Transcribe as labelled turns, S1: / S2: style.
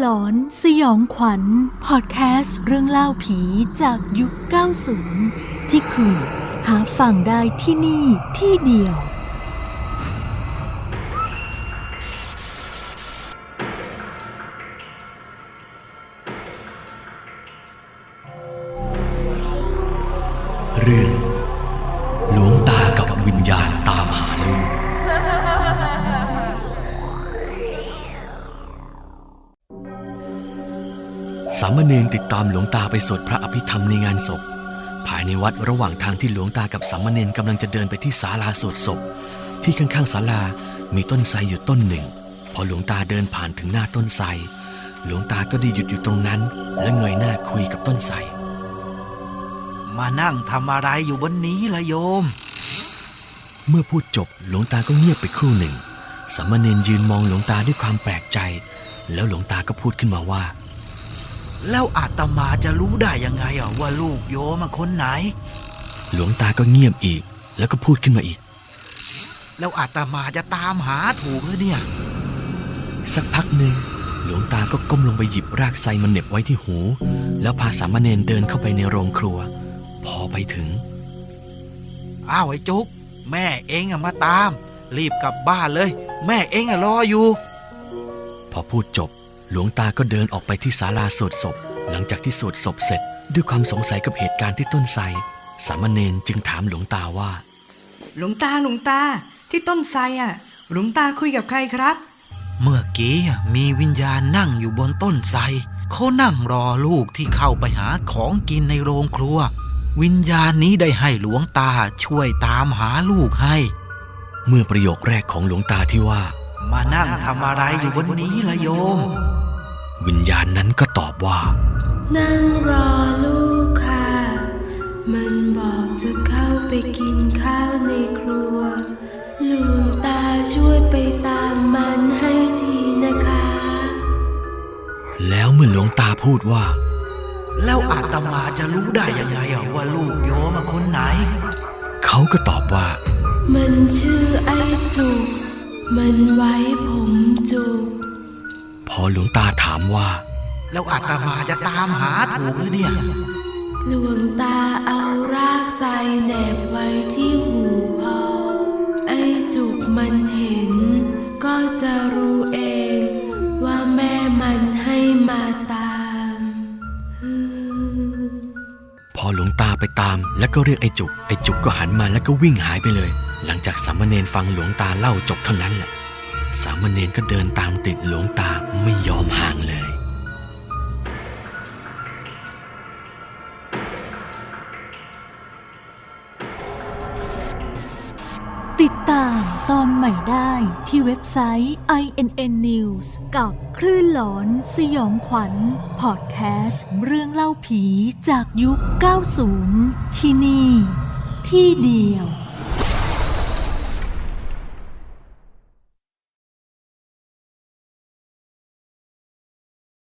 S1: หลอนสยองขวัญพอดแคสต์เรื่องเล่าผีจากยุค 90 ที่คุณหาฟังได้ที่นี่ที่เดียว
S2: เรื่องหลวงตากับวิญญาณตามหาลูกสามเณรติดตามหลวงตาไปสวดพระอภิธรรมในงานศพภายในวัดระหว่างทางที่หลวงตากับสามเณรกำลังจะเดินไปที่ศาลาสวดศพที่ข้างๆศาลามีต้นไทรอยู่ต้นหนึ่งพอหลวงตาเดินผ่านถึงหน้าต้นไทรหลวงตาก็ได้หยุดอยู่ตรงนั้นและเงยหน้าคุยกับต้นไทร
S3: มานั่งทำอะไรอยู่บนนี้ล่ะโยม
S2: เมื่อพูดจบหลวงตาก็เงียบไปครู่หนึ่งสามเณรยืนมองหลวงตาด้วยความแปลกใจแล้วหลวงตาก็พูดขึ้นมาว่า
S3: แล้วอาตมาจะรู้ได้ยังไงว่าลูกโยมคนไหน
S2: หลวงตาก็เงียบอีกแล้วก็พูดขึ้นมาอีก
S3: แล้วอาตมาจะตามหาถูกหรือเนี่ย
S2: สักพักหนึ่งหลวงตาก็ก้มลงไปหยิบรากไทรมาเหน็บไว้ที่หูแล้วพาสามเณรเดินเข้าไปในโรงครัวพอไปถึง
S3: อ้าวไอ้จุกแม่เองมาตามรีบกลับบ้านเลยแม่เองรออยู่
S2: พอพูดจบหลวงตาก็เดินออกไปที่ศาลาสวดศพหลังจากที่สวดศพเสร็จด้วยความสงสัยกับเหตุการณ์ที่ต้นไทรสามเณรจึงถามหลวงตาว่า
S4: หลวงตาที่ต้นไทรหลวงตาคุยกับใครครับ
S3: เมื่อกี้มีวิญญาณนั่งอยู่บนต้นไทรเขานั่งรอลูกที่เข้าไปหาของกินในโรงครัววิญญาณนี้ได้ให้หลวงตาช่วยตามหาลูกให้
S2: เมื่อประโยคแรกของหลวงตาที่ว่า
S3: มานั่งทำอะไรอยู่บนนี้ล่ะโยม
S2: วิญญาณนั้นก็ตอบว่า
S1: นั่งรอลูกค่ะมันบอกจะเข้าไปกินข้าวในครัวหลวงตาช่วยไปตามมันให้ทีนะคะ
S2: แล้วเมื่อหลวงตาพูดว่า
S3: แล้วอาตมาจะรู้ได้ยังไงว่าลูกโยมคนไหน
S2: เขาก็ตอบว่า
S1: มันชื่อไอ้จุกมันไว้ผมจุก
S2: พอหลวงตาถามว่า
S3: แล้วอาตมาจะตามหาถูกหรือเนี่ย
S1: หลวงตาเอารากไทรแหนบไว้ที่หูพอไอ้จุกมันเห็นก็จะรู้เองว่าแม่มันให้มาตาม
S2: พอหลวงตาไปตามแล้วก็เรียกไอ้จุกก็หันมาแล้วก็วิ่งหายไปเลยหลังจากสามเณรฟังหลวงตาเล่าจบเท่านั้นแหละสามเณรก็เดินตามติดหลวงตาไม่ยอมห่างเลย
S1: ติดตามตอนใหม่ได้ที่เว็บไซต์ INN News กับคลื่นหลอนสยองขวัญพอดแคสต์เรื่องเล่าผีจากยุค 90 ที่นี่ที่เดียว